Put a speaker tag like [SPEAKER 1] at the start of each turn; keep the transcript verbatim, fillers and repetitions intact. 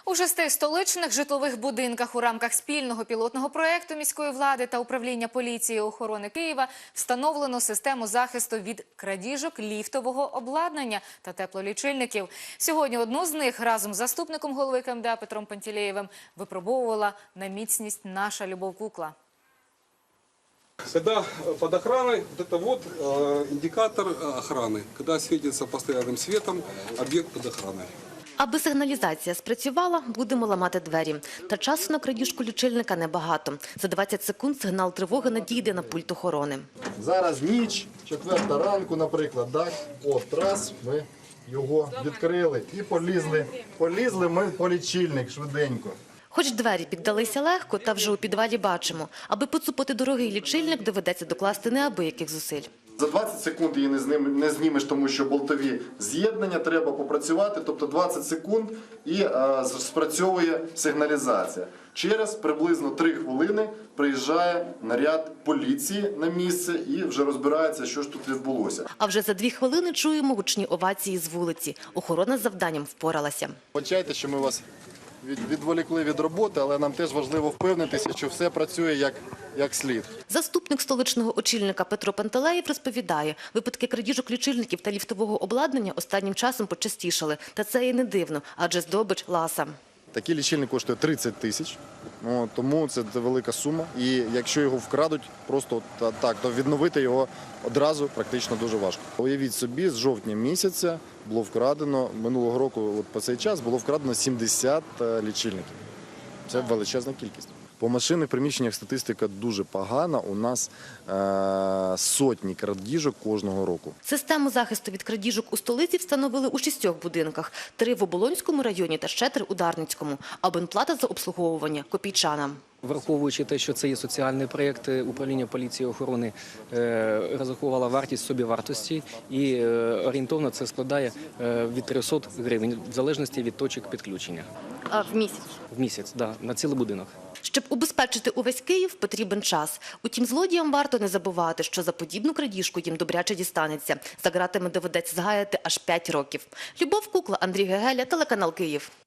[SPEAKER 1] У шести столичних житлових будинках у рамках спільного пілотного проєкту міської влади та управління поліції і охорони Києва встановлено систему захисту від крадіжок ліфтового обладнання та теплолічильників. Сьогодні одну з них разом з заступником голови ка ем де а Петром Пантелеєвим випробовувала на міцність наша Любов Кукла.
[SPEAKER 2] Когда под охраной, вот это вот э, индикатор охраны, когда светится постоянным светом объект под охраной.
[SPEAKER 3] Аби сигналізація спрацювала, будемо ламати двері. Та часу на крадіжку лічильника небагато. За двадцять секунд сигнал тривоги надійде на пульт охорони.
[SPEAKER 4] Зараз ніч, четверта ранку, наприклад, так? От раз ми його відкрили і полізли. Полізли ми по лічильник швиденько.
[SPEAKER 3] Хоч двері піддалися легко, та вже у підвалі бачимо. Аби поцупити дорогий лічильник, доведеться докласти неабияких зусиль.
[SPEAKER 4] За двадцять секунд її не, зним, не знімеш, тому що болтові з'єднання, треба попрацювати, тобто двадцять секунд і е, спрацьовує сигналізація. Через приблизно три хвилини приїжджає наряд поліції на місце і вже розбирається, що ж тут відбулося.
[SPEAKER 3] А вже за дві хвилини чуємо гучні овації з вулиці. Охорона з завданням впоралася.
[SPEAKER 4] Вибачайте, що ми вас від, відволікли від роботи, але нам теж важливо впевнитися, що все працює як, як слід.
[SPEAKER 3] Заступник столичного очільника Петро Пантелеєв розповідає, випадки крадіжок лічильників та ліфтового обладнання останнім часом почастішали. Та це і не дивно, адже здобич ласа.
[SPEAKER 4] Такий лічильник коштує тридцять тисяч, тому це велика сума. І якщо його вкрадуть просто так, то відновити його одразу практично дуже важко. Уявіть собі, з жовтня місяця було вкрадено, минулого року от по цей час було вкрадено сімдесят лічильників. Це величезна кількість. По машинних приміщеннях статистика дуже погана. У нас е сотні крадіжок кожного року.
[SPEAKER 3] Систему захисту від крадіжок у столиці встановили у шістьох будинках. Три в Оболонському районі та ще три у Дарницькому. Абонплата за обслуговування – копійчана.
[SPEAKER 5] Враховуючи те, що це є соціальний проєкт, управління поліції і охорони е, розрахувало вартість собівартості і е, орієнтовно це складає е, від трьохсот гривень в залежності від точок підключення.
[SPEAKER 3] А в місяць?
[SPEAKER 5] В місяць, так, да, на цілий будинок.
[SPEAKER 3] Щоб убезпечити увесь Київ, потрібен час. Утім, злодіям варто не забувати, що за подібну крадіжку їм добряче дістанеться. За ґратами доведеться згаяти аж п'ять років. Любов Кукла, Андрій Гегеля, телеканал Київ.